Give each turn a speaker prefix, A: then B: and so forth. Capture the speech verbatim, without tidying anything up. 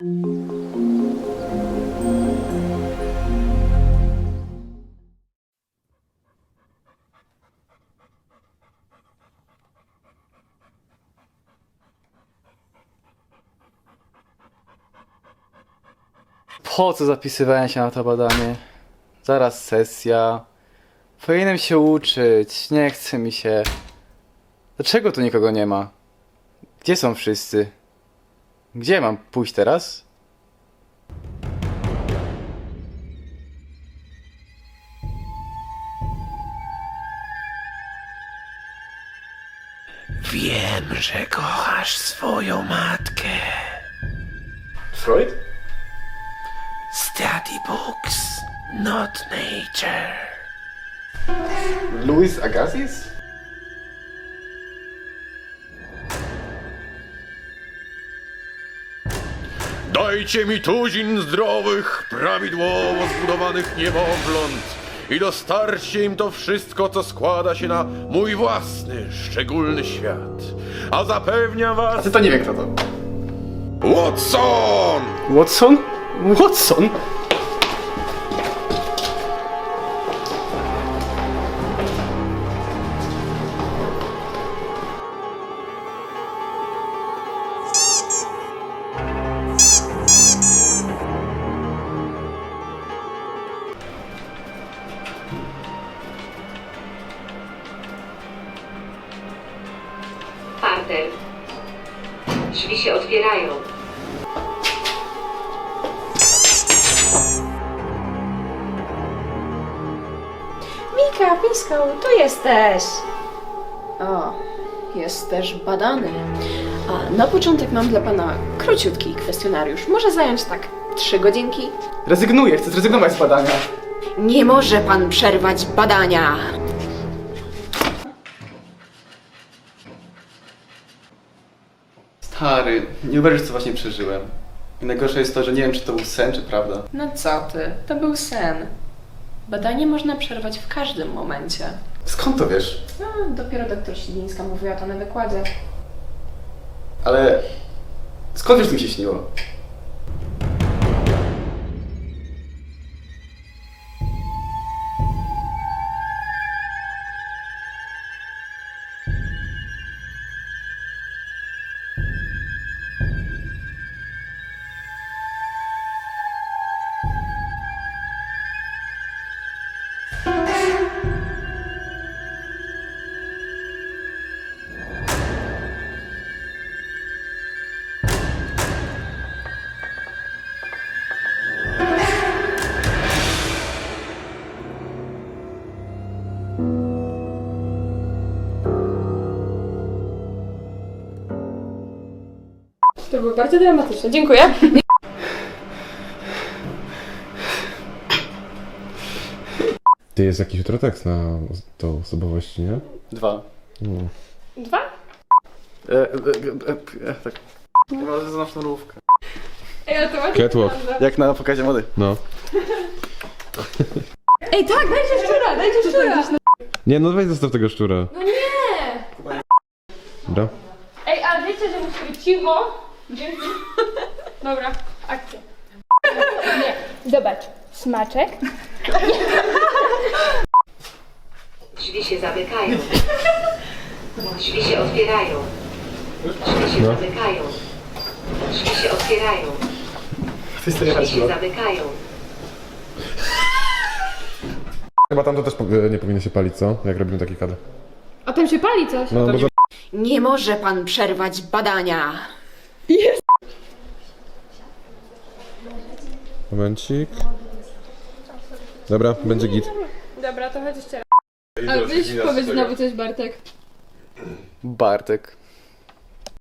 A: Po co zapisywałem się na to badanie? Zaraz sesja. Powinienem się uczyć, nie chce mi się. Dlaczego tu nikogo nie ma? Gdzie są wszyscy? Gdzie mam pójść teraz?
B: Wiem, że kochasz swoją matkę.
A: Freud?
B: Study books, not nature.
A: Louis Agassiz?
C: Dajcie mi tuzin zdrowych, prawidłowo zbudowanych niemowląt i dostarczcie im to wszystko, co składa się na mój własny, szczególny świat. A zapewniam
A: A
C: was...
A: ty to nie wiem kto to.
C: Watson!
A: Watson? Watson?
D: Parter. Drzwi się otwierają.
E: Mika, Pisko, tu jesteś! O, jesteś badany. A na początek mam dla pana króciutki kwestionariusz. Może zająć tak trzy godzinki?
A: Rezygnuję, chcę zrezygnować z badania.
E: Nie może pan przerwać badania!
A: Stary, nie uwierzysz co właśnie przeżyłem. I najgorsze jest to, że nie wiem czy to był sen, czy prawda.
E: No co ty, to był sen. Badanie można przerwać w każdym momencie.
A: Skąd to wiesz?
E: No, dopiero doktor Siwińska mówiła to na wykładzie.
A: Ale... Skąd wiesz, co mi się śniło?
F: To było bardzo dramatyczne. Dziękuję.
G: Ty, jest jakiś jutro tekst na tą osobowość, nie?
A: Dwa.
G: No.
F: Dwa?
A: E, e, e, e, tak. Chyba znam sznurówkę.
F: Ej, ale to ładnie
G: Catwalk.
F: wygląda.
A: Jak na pokazie mody.
G: No.
F: Ej, tak, dajcie szczura, dajcie szczura.
G: Nie, no weź zostaw tego szczura.
F: No nie!
G: Dobra.
F: Ej, ale wiecie, że musi być cicho? Dzięki. Dobra, akcja. Nie, zobacz. Smaczek.
D: Drzwi się zamykają. Drzwi się otwierają. Drzwi się
G: No.
D: zamykają. Drzwi się otwierają.
A: Ty
D: Drzwi się zamykają.
G: Chyba tam to też po- nie powinno się palić, co? Jak robimy taki kadr.
F: A tam się pali coś.
G: No, bo za...
E: Nie może pan przerwać badania!
G: Momencik. Dobra, będzie git.
F: Dobra, to chodź jeszcze raz. Ale weź powiedz znowu coś, Bartek.
A: Bartek.